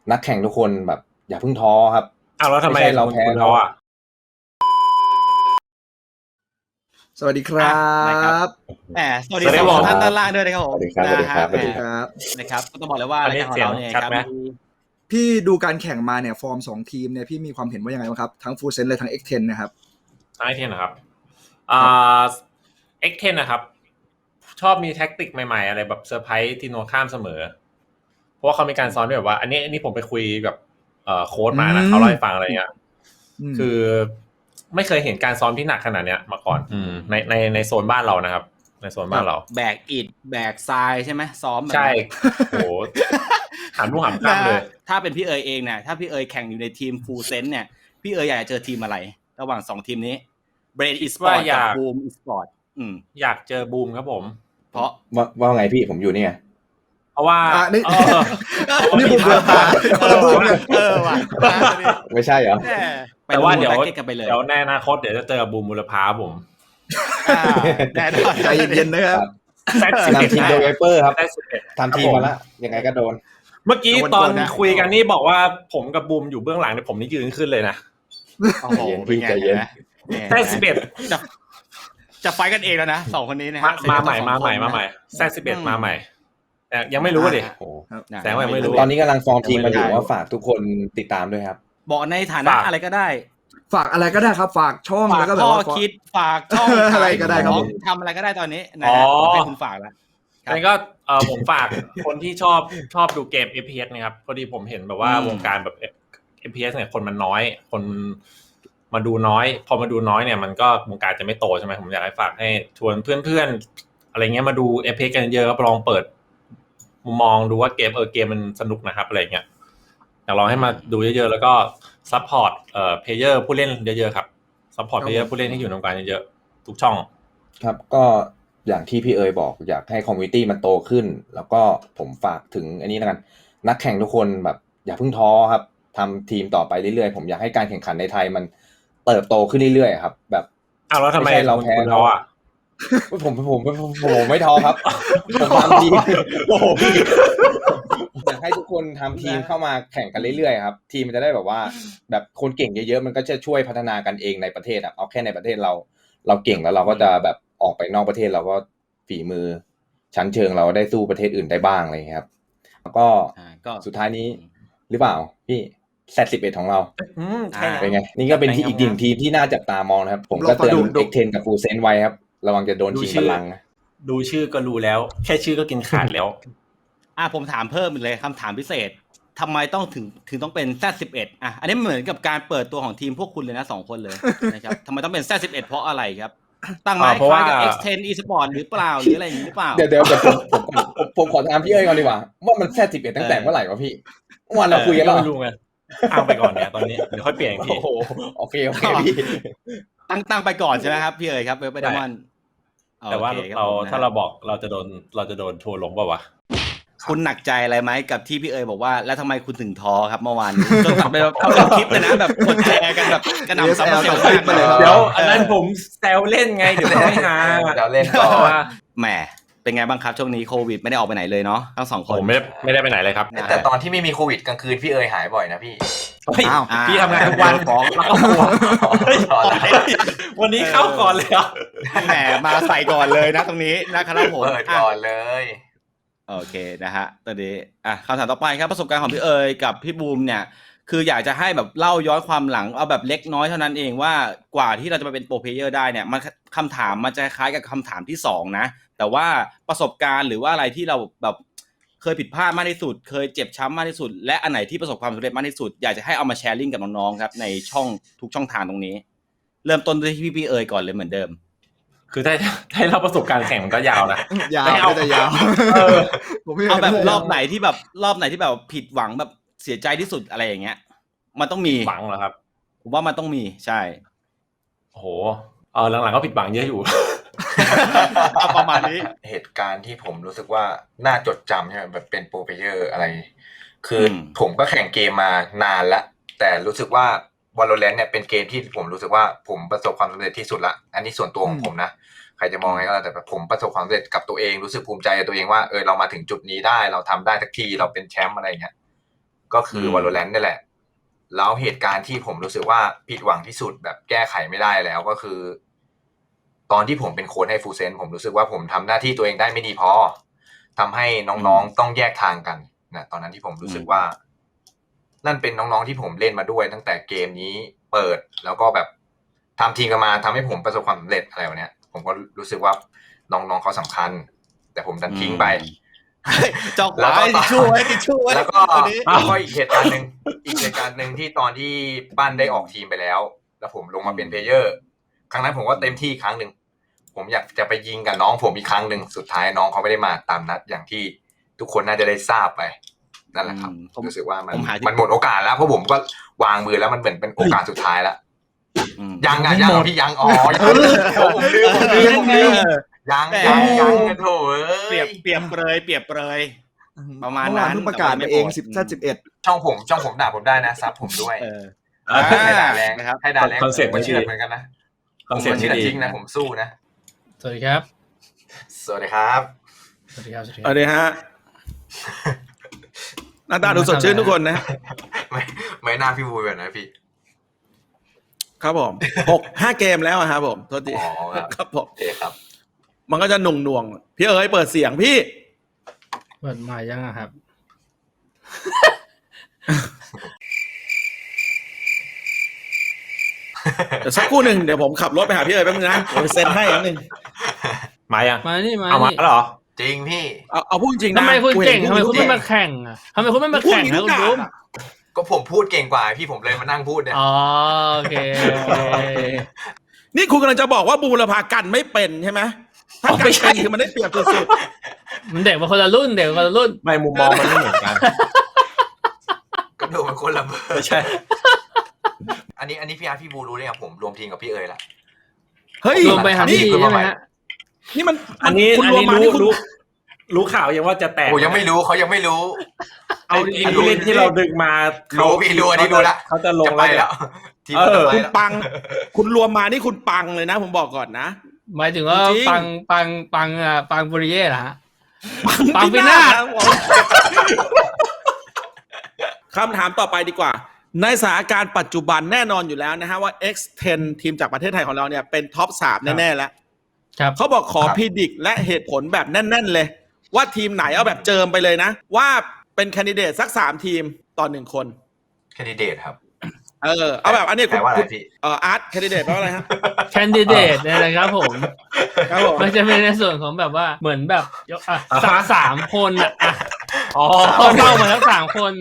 นักแข่งทุกคนแบบอย่าเพิ่งท้อครับแล้วทำไมเราแพ้ท้ออ่ะสวัสดีครับสวัสดีสองท่านด้านล่างด้วยนะครับผมสวัสดีครับสวัสดีครับสวัสดีครับนะครับก็ต้องบอกเลยว่ารายการของเราเนี่ยครับพี่ดูการแข่งมาเนี่ยฟอร์ม2ทีมเนี่ยพี่มีความเห็นว่ายังไงบ้างครับทั้งฟูลเซนและทั้ง X10 นะครับ X10 นะครับX10 นะครับชอบมีแท็กติกใหม่ๆอะไรแบบเซอร์ไพรส์ทีโนข้ามเสมอเพราะว่าเขามีการซ้อนแบบว่าอันนี้ผมไปคุยกับโค้ชมานะเขาเล่าให้ฟังอะไรเงี้ยคือไม่เคยเห็นการซ้อมที่หนักขนาดเนี้ยมาก่อนในโซนบ้านเรานะครับในโซนบ้านเราแบกอิฐแบกทรายใช่ไหมซ้อมใช่โหหามลูกหามข้ามเลยถ้าเป็นพี่เอ๋ยเองเนี่ยถ้าพี่เอ๋ยแข่งอยู่ในทีมฟูลเซนเนี่ยพี่เอ๋ยอยากจะเจอทีมอะไรระหว่าง2ทีมนี้เบรนอีสปอร์ตกับบูมอีสปอร์ตอยากเจอบูมครับผมเพราะว่าไงพี่ผมอยู่นี่ไงเพราะว่านี่บูมเบอร์พาว่ะไม่ใช่เหรอแต่ว่าเดี๋ยวในอนาคตเดี๋ยวจะเจอบูมบุรพาผมแน่นอนใจเย็นๆนะครับนำทีมโดยไวเปอร์ครับทำทีมมาแล้วยังไงก็โดนเมื่อกี้ตอนคุยกันนี่บอกว่าผมกับบูมอยู่เบื้องหลังเนี่ยผมนี่ยืนขึ้นเลยนะโอ้โหเป็นไงนะแซด11 จะไฟกันเองแล้วนะ2คนนี้นะมาใหม่แซด11มาใหม่ยังไม่รู้ดิแสดงว่ายังไม่รู้ตอนนี้กำลังฟอร์มทีมมาอยู่ว่าฝากทุกคนติดตามด้วยครับบอกในฐานะอะไรก็ได้ฝากอะไรก็ได้ครับฝากช่องแล้วก็แบบว่าคิดฝากช่องอะไรก็ได้ครับทำอะไรก็ได้ตอนนี้นะให้คุณฝากแล้วนี่ก็ผมฝากคนที่ชอบดูเกม FPS นะครับพอดีผมเห็นแบบว่าวงการแบบ FPS เนี่ยคนมันน้อยคนมาดูน้อยพอมาดูน้อยเนี่ยมันก็วงการจะไม่โตใช่ไหมผมอยากให้ฝากให้ชวนเพื่อนๆอะไรเงี้ยมาดู FPS กันเยอะครับลองเปิดมุมมองดูว่าเกมมันสนุกนะครับอะไรเงี้ยอยากลองให้มาดูเยอะๆแล้วก็ซัพพอร์ตเพลเยอร์ผู้เล่นเยอะๆครับซัพพอร์ตเพลเยอร์ผู้เล่นที่อยู่ในวงการเยอะๆทุกช่องครับก็อย่างที่พี่เอ๋ยบอกอยากให้คอมมูนิตี้มันโตขึ้นแล้วก็ผมฝากถึงอันนี้แล้วกันนักแข่งทุกคนแบบอย่าเพิ่งท้อครับทำทีมต่อไปเรื่อยๆผมอยากให้การแข่งขันในไทยมันเติบโตขึ้นเรื่อยๆครับแบบแล้วทำไมเราแพ้ท้ออ่ะผมไม่ท้อครับผมทำทีมโอ้โหพี่อยากให้ทุกคนทำทีมเข้ามาแข่งกันเรื่อยๆครับทีมมันจะได้แบบว่าแบบคนเก่งเยอะๆมันก็จะช่วยพัฒนากันเองในประเทศเอาแค่ในประเทศเราเก่งแล้วเราก็จะแบบออกไปนอกประเทศเราก็ฝีมือชั้นเชิงเราได้สู้ประเทศอื่นได้บ้างอะไรอย่างเงี้ยครับแล้วก็สุดท้ายนี้หรือเปล่าพี่Z11ของเราเป็นไงนี่ก็เป็นที่อีกหนึ่งทีมที่น่าจับตามองนะครับผมก็เตือน X10 กับ Full Sense ไว้ครับระวังจะโดนชิงบัลลังก์ดูชื่อก็รู้แล้วแค่ชื่อก็กินขาดแล้วผมถามเพิ่มอีกเลยคำถามพิเศษทำไมต้องถึงต้องเป็น Z11 อันนี้เหมือนกับการเปิดตัวของทีมพวกคุณเลยนะ2คนเลยนะครับทำไมต้องเป็น Z11 เพราะอะไรครับตั้งไม้คล้ายกับ X10 eSport หรือเปล่าหรืออะไรอย่างนี้หรือเปล่าเดี๋ยวผมขอถามพี่เอ้ยก่อนดีกว่าว่ามัน Z11 ตั้งแต่เมื่อไหร่วะพี่วันเราคุยกันแล้วไม่รู้ไงเอาไปก่อนเนี่ยตอนนี้เดี๋ยวค่อยเปลี่ยนอีกทีโอเคพี่ตั้งไปก่อนใช่ไหมครับพี่เอ๋ยครับไปดมอนแต่ว่าถ้าเราบอกเราจะโดนทัวร์ลงป่าววะคุณหนักใจอะไรไหมกับที่พี่เอ๋ยบอกว่าแล้วทำไมคุณถึงท้อครับเมื่อวานนี้จนตัดไปเอาเป็นคลิปเลยนะแบบกดแชร์กันแบบกระหน่ำซับเซลมากเลยเดี๋ยวอันนั้นผมแซวเล่นไงเดี๋ยวไม่หาเดี๋ยวเล่นต่อแหมเป็นไงบ้างครับช่วงนี้โควิดไม่ได้ออกไปไหนเลยเนาะทั้ง2คนผมไม่ได้ไปไหนเลยครับแต่ตอนที่ไม่มีโควิดกลางคืนพี่เอ๋ยหายบ่อยนะพี่พี่ทำงานทุกวันฟ้องแล้วก็กลัววันนี้เข้าก่อนเลยอ่ะแหมมาใส่ก่อนเลยนะตรงนี้นะครับผมเปิดก่อนเลยโอเคนะฮะตอนนี้คำถามต่อไปครับประสบการณ์ของพี่เอ๋ยกับพี่บูมเนี่ยคืออยากจะให้แบบเล่าย้อนความหลังเอาแบบเล็กน้อยเท่านั้นเองว่ากว่าที่เราจะมาเป็นโปรเพลเยอร์ได้เนี่ยมันคำถามมันจะคล้ายกับคำถามที่2นะแต่ว่าประสบการณ์หรือว่าอะไรที่เราแบบเคยผิดพลาดมากที่สุดเคยเจ็บช้ำมากที่สุดและอันไหนที่ประสบความสำเร็จมากที่สุดอยากจะให้เอามาแชร์ลิงก์กับน้องๆครับในช่องทุกช่องทางตรงนี้เริ่มต้นด้วยที่พี่เอ๋ยก่อนเลยเหมือนเดิมคือถ้าเราประสบการณ์แข่งมันก็ยาวนะยาวแต่ยาวเอาแบบรอบไหนที่แบบผิดหวังแบบเสียใจที่สุดอะไรอย่างเงี้ยมันต้องมีหวังเหรอครับผมว่ามันต้องมีใช่โอ้โหหลังๆก็ผิดหวังเยอะอยู่ประมาณนี้เหตุการณ์ที่ผมรู้สึกว่าน่าจดจำใช่ไหมแบบเป็นโปรเพลเยอร์อะไรคือผมก็แข่งเกมมานานแล้วแต่รู้สึกว่า Valorant เนี่ยเป็นเกมที่ผมรู้สึกว่าผมประสบความสำเร็จที่สุดละอันนี้ส่วนตัวของผมนะใครจะมองไงก็แล้วแต่ผมประสบความสำเร็จกับตัวเองรู้สึกภูมิใจกับตัวเองว่าเรามาถึงจุดนี้ได้เราทำได้สักทีเราเป็นแชมป์อะไรเงี้ยก็คือม Valorant นี่แหละ แล้วเหตุการณ์ที่ผมรู้สึกว่าผิดหวังที่สุดแบบแก้ไขไม่ได้แล้วก็คือ ตอนที่ผมเป็นโค้ชให้ฟูเซนผมรู้สึกว่าผมทำหน้าที่ตัวเองได้ไม่ดีพอทำให้น้องๆต้องแยกทางกันนะตอนนั้นที่ผมรู้สึกว่า นั่นเป็นน้องๆที่ผมเล่นมาด้วย ตั้งแต่เกมนี้เปิดแล้วก็แบบทำทีมกันมาทำให้ผมประสบความสำเร็จอะไรแบบเนี้ยผมก็รู้สึกว่าน้องๆเขาสำคัญ แต่ผมดันทิ้งไปจอกไว้ทิชชู่ไว้ทิชชู่ไว้แล้วก็ตัวนี้อีกเหตุการณ์หนึ่งที่ตอนที่ปั้นได้ออกทีมไปแล้ว แล้วผมลงมาเป็นเพลเยอร์ ครั้งนั้นผมก็เต็มที่ครั้งหนึ่งผมอยากจะไปยิงกับน้องผมอีกครั้งหนึ่งสุดท้ายน้องเขาไม่ได้มาตามนัดอย่างที่ทุกคนน่าจะได้ทราบไปนั่นแหละครับรู้สึกว่ามันหมดโอกาสแล้วเพราะผมก็วางมือแล้วมันเหมือนเป็นโอกาสสุดท้ายแล้วยังพี่ยังผมลืมยังโถ่เปรียบเปรยประมาณเมื่อวานั้นเพิ่งประกาศไปเอง11 ช่องผมด่าผมได้นะซับผมด้วย ให้ด่าแรงนะครับให้ด่าแรงคอนเซ็ปต์มันเชื่ดีอเหมือนกันนะคอนเซ็ปต์เชื่ที่อดีจริงนะผมสู้นะสวัสดีครับสวัสดีครับสวัสดีครับเอาเลยฮะหน้าตาดูสดชื่นทุกคนนะไม่น่าพี่บูแบบนะพี่ครับผม5 เกมแล้วอะครับผมโทษทีอ๋อครับครับผมโอเคครับมันก็จะหน่วงๆพี่เอ๋ยเปิดเสียงพี่เปิดมายังอะครับเดี๋ยวสักครู่หนึ่งเดี๋ยวผมขับรถไปหาพี่เอ๋ยแป๊บนึงนะผมเซ็นให้นิดนึงมายังมานี่มาเอามานี่แล้วเหรอจริงพี่เอาพูดจริงๆนะทำไมคุณเก่งกูทำไมห็นคุณไม่มาแข่งอ่ะทำไมคุณไม่มาพูดแข่งอย่างนะคุณบูมก็ผมพูดเก่งกว่าพี่ผมเลยมานั่งพูดเนี่ยอ๋อโอเคโอเคนี่คุณกำลังจะบอกว่าบูรพากันไม่เป็นใช่ไหมถ้ากันเป็นคือมันได้เปรียบสุดมันเด็กมาคนละรุ่นเด็กมาคนละรุ่นไม่มุมมองมันไม่เหมือนกันก็ดูมันคนละเบอร์ไม่ใช่อันนี้พี่อาร์พี่บูรู้เลยครับผมรวมทีมกับพี่เอ๋ยละๆเฮ้ยรวมไปหานี่พี่ใช่ไหมฮะนี่มันอันนี้คุณรวมมานี่คุณรู้ข่าวยังว่าจะแตกโอ้ยังไม่รู้เขายังไม่รู้เอาไอ้ผู้เล่นที่เราดึงมารู้พี่รู้อันนี้รู้ละเขาจะลงจะไปแล้วทีมจะไปคุณแล้วปัง คุณรวมมานี่คุณปังเลยนะ ผมบอกก่อนนะหมายถึงว่าจริงปังบุริเย่เหรอฮะ ปังปีนาศคำถามต่อไปดีกว่า ในสถานการณ์ปัจจุบันแน่นอนอยู่แล้วนะฮะว่า X10 ทีมจากประเทศไทยของเราเนี่ยเป็นท็อป 3 แน่ๆแล้วครับเขาบอกขอพิดิกและเหตุผลแบบแน่นๆเลย ว่าทีมไหนเอาแบบเจิมไปเลยนะ ว่าเป็นแคนดิเดตสัก 3 ทีมต่อ 1 คนแคนดิเดตครับเอาแบบอันนี้แปลว่าอะไรพี่อาร์ตแคนดิเดตแปลว่าอะไรฮะแคนดิเดตเนี่ยนะครับผมครับผมมันจะเป็นในส่วนของแบบว่าเหมือนแบบสามคนอ่ะอ๋อเข้ามาแล้ว3 คน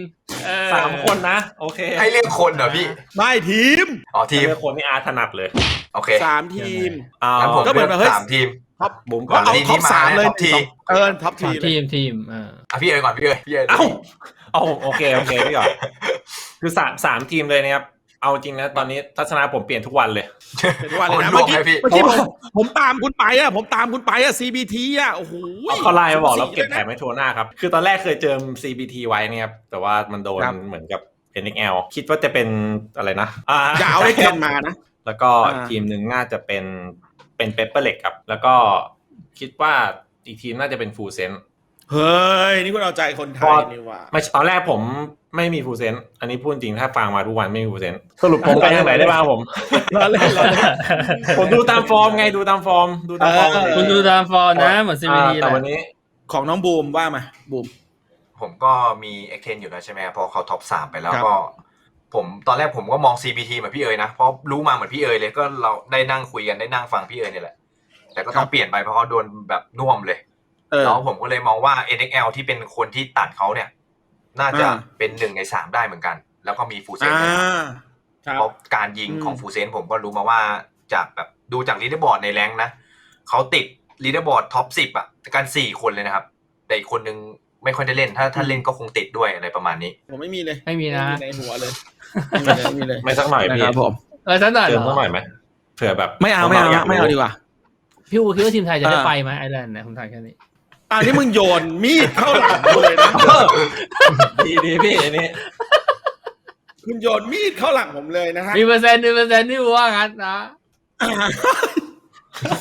3 คนนะ โอเคให้เรียกคนเหรอพี่ไม่ทีมอ๋อทีมเลือกคนที่อาร์ตถนัดเลยโอเค 3 ทีมเอางั้นผมก็เหมืเลือนอกแบบเฮ้ย 3 ทีมท็อปบุ๋มก่ก็อนเอาทีมท็อปนี้มา 3 เลยท็อปทีมท็อปทีมทีมพี่เอ๋ยก่อนพี่เอ๋ยเอ้าเอาโอเคพี่ก่อนคือสามทีมเลยนะครับ เอาจริงนะตอนนี้ทัศนะผมเปลี่ยนทุกวันเลยเป็นวันเลยนะโอ้เมื่โหอกี้รวมเลยพี่ผมตามคุณไปอะ CBT อะโอ้โหเขาไลน์มาบอกเราเก็บแถมให้โทรหน้าครับ คือตอนแรกเคยเจอ CBT ไว้เนี่ยครับ แต่ว่ามันโดนครับเหมือนกับ NXL คิดว่าจะเป็นอะไรนะอย่าเอาได้เกณฑ์มานะแล้วก็อ่าทีมหนึ่งน่าจะเป็นเปเปอร์เล็กครับ แล้วก็คิดว่าอีกทีมน่าจะเป็นฟูเซนเฮ้ย นี่คุณเอาใจคนไทยนี่หว่าไม่ตอนแรกผมไม่มีฟูเซนอันนี้พูดจริงถ้าฟังมาทุกวันไม่มีฟูเซนสรุปผมไปทางไหนได้บ้างผมรอเล่นผมดูตามฟอร์มไงดูตามฟอร์มคุณดูตามฟอร์นะเหมือนซีบีดีแหแต่ละวันนี้ของน้องบูมว่ามาบูมผมก็มี X10 อยู่แล้วใช่ไหมพอเขาท็อป 3 ไปแล้วครับก็ ผมตอนแรกผมก็มอง CBT เหมือนพี่เอ๋ยนะเพราะรู้มาเหมือนพี่เอ๋ยเลยก็เราได้นั่งคุยกันได้นั่งฟังพี่เอ๋ยนี่แหละแต่ก็ต้องเปลี่ยนไปเพราะเขาโดนแบบน่วมเลย แล้วผมก็เลยมองว่า NXL ที่เป็นคนที่ตัดเขาเนี่ย น่าจะเป็น1 ใน 3ได้เหมือนกัน แล้วก็มีฟูเซนด้วยเพราะการยิงของฟูเซนผมก็รู้มาว่าจากแบบดูจากลีดเดอร์บอร์ดในแรงค์นะเขาติดลีดเดอร์บอร์ดท็อป 10 อ่ะกัน4 คนเลยนะครับ แต่อีกคนนึงไม่ค่อยได้เล่นถ้าเล่นก็คงติดด้วยอะไรประมาณนี้ผมไม่มีเลยไม่มีนะในหัวเลยไม่มีเลยไม่สักหน่อยพี่นะครับผมสักหน่อยเติเหรมสักหน่ออยไหมเผื่อแบบไม่เอาดีกว่าพี่อูคิดว่าทีมไทยจะได้ไปไหมไอร์แลนด์เนี่ยผมถามแค่นี้นี่มึงโยนมีดเข้าหลังกูเลยนะดีพี่อันนี้คุณโยนมีดเข้าหลังผมเลยนะฮะมีเปอร์เซ็นต์ที่ว่างั้นนะ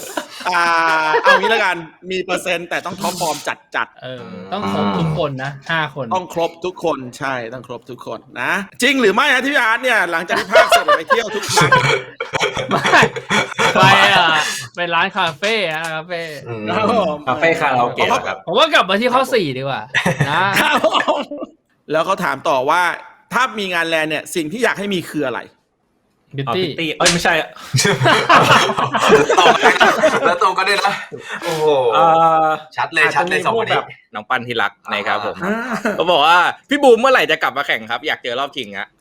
เอางี้แล้วกันมีเปอร์เซ็นต์แต่ต้องท็อปฟอร์มจัดต้องครบทุกคนนะ5 คนต้องครบทุกคนใช่ต้องครบทุกคนนะ จริงหรือไม่ฮะที่พี่อาร์ตเนี่ยหลังจากที่ภาคเสร็จไปเที่ยวทุกครั้งไม่ไปไปร้านคาเฟ่คาเฟ่คาเฟ่คาราโอเกะครับผมว่ากลับมาที่ข้อ4ดีกว่านะแล้วเขาถามต่อว่าถ้ามีงานแลนเนี่ยสิ่งที่อยากให้มีคืออะไรบิวพิตี้ตตี้ไม่ใช่แล้วตรงก็ได้นะโอ้โหชัดเลยสองคนนี้น้องปั้นที่รักนะครับผมเขาบอกว่าพี่บูมเมื่อไหร่จะกลับมาแข่งครับอยากเจอรอบชิงฮะ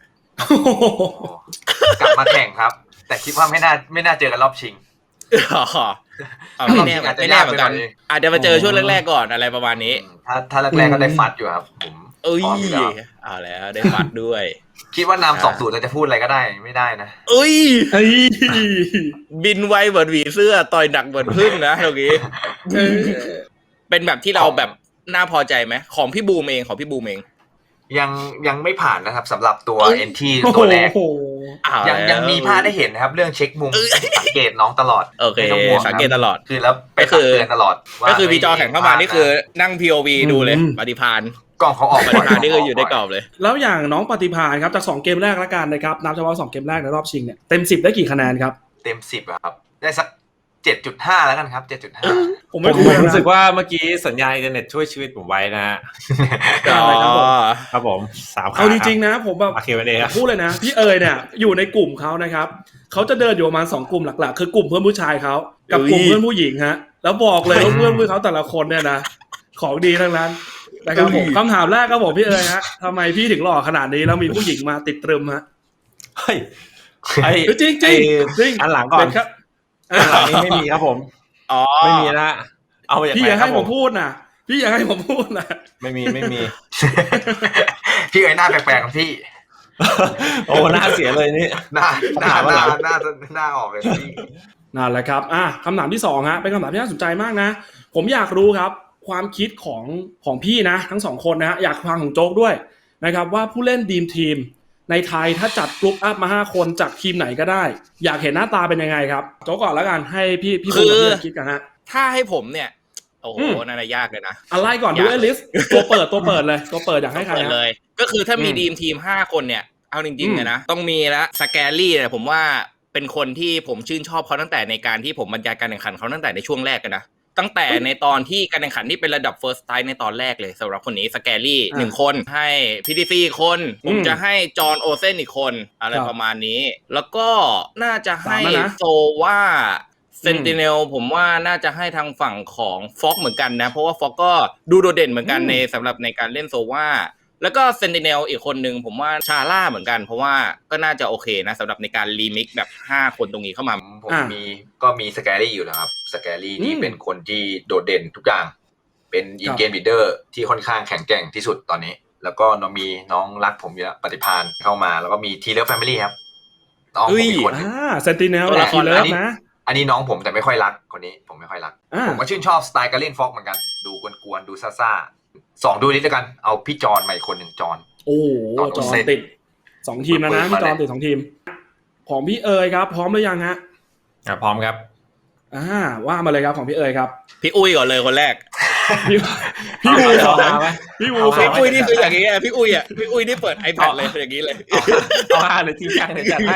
กลับมาแข่งครับ แต่คิดว่าไม่น่าเจอกันรอบชิงไม่แน่เหมือนกันอาจจะมาเจอช่วงแรกๆก่อนอะไรประมาณนี้ถ้าแรกๆก็ได้ฟัดอยู่ครับผมเอ้ยพร้อมอยู่แล้วเอาแล้วได้ฟัดด้วยคิดว่านำ2-0จะพูดอะไรก็ได้ไม่ได้นะเอ้ยบินไวเหมือนหวีเสื้อต่อยหนักเหมือนพึ่งนะตรงนี้เป็นแบบที่เราแบบน่าพอใจไหมของพี่บูมเองยังไม่ผ่านนะครับสำหรับตัวเอนที่ตัวแรกยังมีพลาดได้เห็นนะครับ เรื่องเช็คมุมสังเกตน้องตลอดโอเคสังเกตตลอดคือแล้วไปตักเตือนตลอดก็คือมีจอแข่งเข้ามานี่คือนั่ง POV ดูเลยปฏิภาณกล้องเขาออกปฏิภาณนี่คืออยู่ในกรอบเลยแล้วอย่างน้องปฏิภาณครับจาก2เกมแรกละกันนะครับนับเฉพาะ2เกมแรกในรอบชิงเนี่ยเต็ม10ได้กี่คะแนนครับเต็ม10อะครับได้สัก 7.5 แล้วกันครับ 7.5 ผมไม่ผมรู้สึกว่าเมื่อกี้สัญญาณอินเทอร์เน็ตช่วยชีวิตผมไว้นะฮะครับผม3 เอาจริงๆนะผมแบบโอเคไปเลยครับพูดเลยนะพี่เอ๋ยเนี่ยอยู่ในกลุ่มเขานะครับเขาจะเดินอยู่ประมาณ2กลุ่มหลักๆคือกลุ่มเพื่อนผู้ชายเขากับกลุ่มเพื่อนผู้หญิงฮะแล้วบอกเลยว่าเพื่อนเขาแต่ละคนเนี่ยนะของดีทั้งนั้นนะครับผมคำถามแรกครับผมพี่เอ๋ยฮะทำไมพี่ถึงหล่อขนาดนี้แล้วมีผู้หญิงมาติดตรึมฮะเฮ้ยจริงอันหลังก่อนครับอันหลังนี้ไม่มีครับผมไม่มีนะเอาอย่างพี่อย่าให้ผมพูดนะพี่อย่าให้ผมพูดนะไม่มีพี่เอ๋ยหน้าแปลกๆของพี่โอ้หน้าเสียเลยนี่หน้าออกเลยพี่นั่นแหละครับคำถามที่2ฮะเป็นคำถามที่น่าสนใจมากนะผมอยากรู้ครับความคิดของพี่นะทั้ง2คนนะฮะอยากฟังของโจ๊กด้วยนะครับว่าผู้เล่นดีมทีมในไทยถ้าจัดกรุ๊ปอัพมา5คนจากทีมไหนก็ได้อยากเห็นหน้าตาเป็นยังไงครับโจ๊กก่อนแล้วกันให้พี่บูมคิดกันฮะถ้าให้ผมเนี่ยโอ้โหน่าจะยากเลยนะอะไรก่อนดูลิสต์ตัวเปิดเลยตัวเปิดอยากให้ใครเลยก็คือถ้ามีดีมทีม5คนเนี่ยเอาจริงๆเลยนะต้องมีละสแกรี่เนี่ยผมว่าเป็นคนที่ผมชื่นชอบเขาตั้งแต่ในการที่ผมบรรยายการแข่งขันเขาตั้งแต่ในช่วงแรกกันนะตั้งแต่ในตอนที่การแข่งขันที่เป็นระดับ First Strike ในตอนแรกเลยสำหรับคนนี้สแกรี่1คนให้ PDC คนผมจะให้จอห์นโอเซนอีกคนอะไรประมาณนี้แล้วก็น่าจะให้โซว่าเซนติเนลผมว่าน่าจะให้ทางฝั่งของฟ็อกเหมือนกันนะเพราะว่าฟ็อกก็ดูโดดเด่นเหมือนกันในสำหรับในการเล่นโซว่าแล้วก็เซนติเนลอีกคนนึงผมว่าชาร่าเหมือนกันเพราะว่าก็น่าจะโอเคนะสำหรับในการรีมิกแบบ5คนตรงนี้เข้ามาผมมีสแกรี่อยู่แล้วครับสแกรี่นี่เป็นคนที่โดดเด่นทุกอย่างเป็นอินเกมลีดเดอร์ที่ค่อนข้างแข็งแกร่งที่สุดตอนนี้แล้วก็มีน้องรักผมอยู่แล้วปฏิภาณเข้ามาแล้วก็มีทีเลิฟแฟมิลี่ครับน้องผมอีกคนเซนติเนลทีเลิฟนะอันนี้น้องผมแต่ไม่ค่อยรักคนนี้ผมไม่ค่อยรักผมก็ชื่นชอบสไตล์การเล่นฟ็อกเหมือนกันดูกวนๆดูซ่าๆ2ดูนิดแล้วกันเอาพี่จอนมาอีกคนนึงจอนโอ้จอนติด2ทีมแล้วนะพี่จอนติด2ทีมของพี่เอ๋ยครับพร้อมหรือยังฮะพร้อมครับว่ามาเลยครับของพี่เอ๋ยครับพี่อุ้ยก่อนเลยคนแรกพี่อูพี่อุ้ยนี่คืออย่างนี้พี่อุ้ยนี่เปิด iPad เลยอย่างนี้เลยเอาเลยจริงจังเลยจัดให้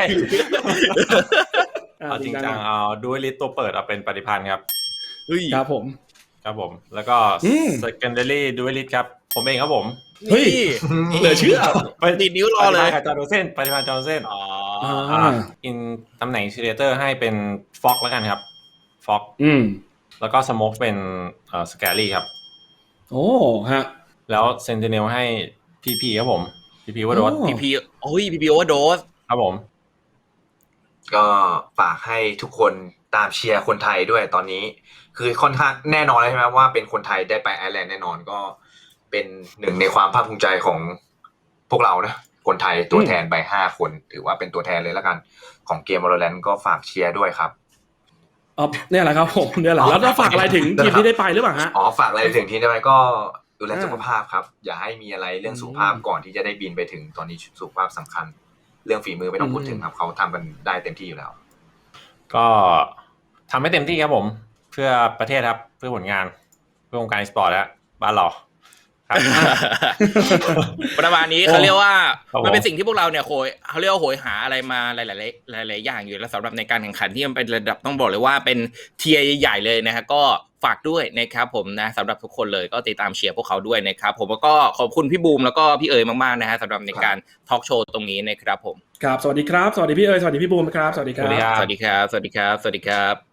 เอาจริงจังเอาดูลิสต์ตัวเปิดเอาเป็นปฏิพันธ์ครับครับผมแล้วก็ secondary duelist ครับผมเองครับผมเฮ้ยเหลือเชื่อไปติดนิ้วรอเลยจอร์นเส้นปฏิพันธ์จอร์นเส้นอินตำแหน่งชิเลเตอร์ให้เป็นฟ็อกแล้วกันครับฟ็อกแล้วก็สโมกเป็นสแกรี่ครับโอ้ฮะแล้วเซนติเนลให้พีครับผมพีว่าโดสพีโอ้ยพีว่าโดสครับผมก็ฝากให้ทุกคนตามเชียร์คนไทยด้วยตอนนี้คือค่อนข้างแน่นอนเลยใช่ไหมว่าเป็นคนไทยได้ไปไอร์แลนด์แน่นอนก็เป็นหนึ่งในความภาคภูมิใจของพวกเรานะคนไทยตัวแทนไป5คนถือว่าเป็นตัวแทนเลยแล้วกันของเกม Valorant ก็ฝากเชียร์ด้วยครับเนี่ยแหละครับผมเนี่ยแหละแล้วจะฝากอะไรถึงทีมที่ได้ไปหรือเปล่าฮะฝากอะไรถึงทีมได้ไปก็ดูแลสุขภาพครับอย่าให้มีอะไรเรื่องสุขภาพก่อนที่จะได้บินไปถึงตอนนี้สุขภาพสำคัญเรื่องฝีมือไม่ต้องพูดถึงครับเขาทำกันได้เต็มที่อยู่แล้วก็ทำให้เต็มที่ครับผมพื่อประเทศครับเพื่อผลงานเพื่อวงการสปอร์ตแล้วบ้านเราครับประมาณนี้เขาเรียกว่าครับผมมันเป็นสิ่งที่พวกเราเนี่ยเขาเรียกว่าโหยหาอะไรมาหลายๆอย่างอยู่แล้วสำหรับในการแข่งขันที่มันเป็นระดับต้องบอกเลยว่าเป็นเทียร์ใหญ่ๆเลยนะฮะก็ฝากด้วยนะครับผมนะสำหรับทุกคนเลยก็ติดตามเชียร์พวกเขาด้วยนะครับผมแล้วก็ขอบคุณพี่บูมแล้วก็พี่เอ๋ยมากๆนะฮะสำหรับในการทอล์กโชว์ตรงนี้นะครับผมครับสวัสดีครับสวัสดีพี่เอ๋ยสวัสดีพี่บูมครับสวัสดีคสวัสดีรับครับสวัสดีครับสวัสดีครับสวัสดีครับ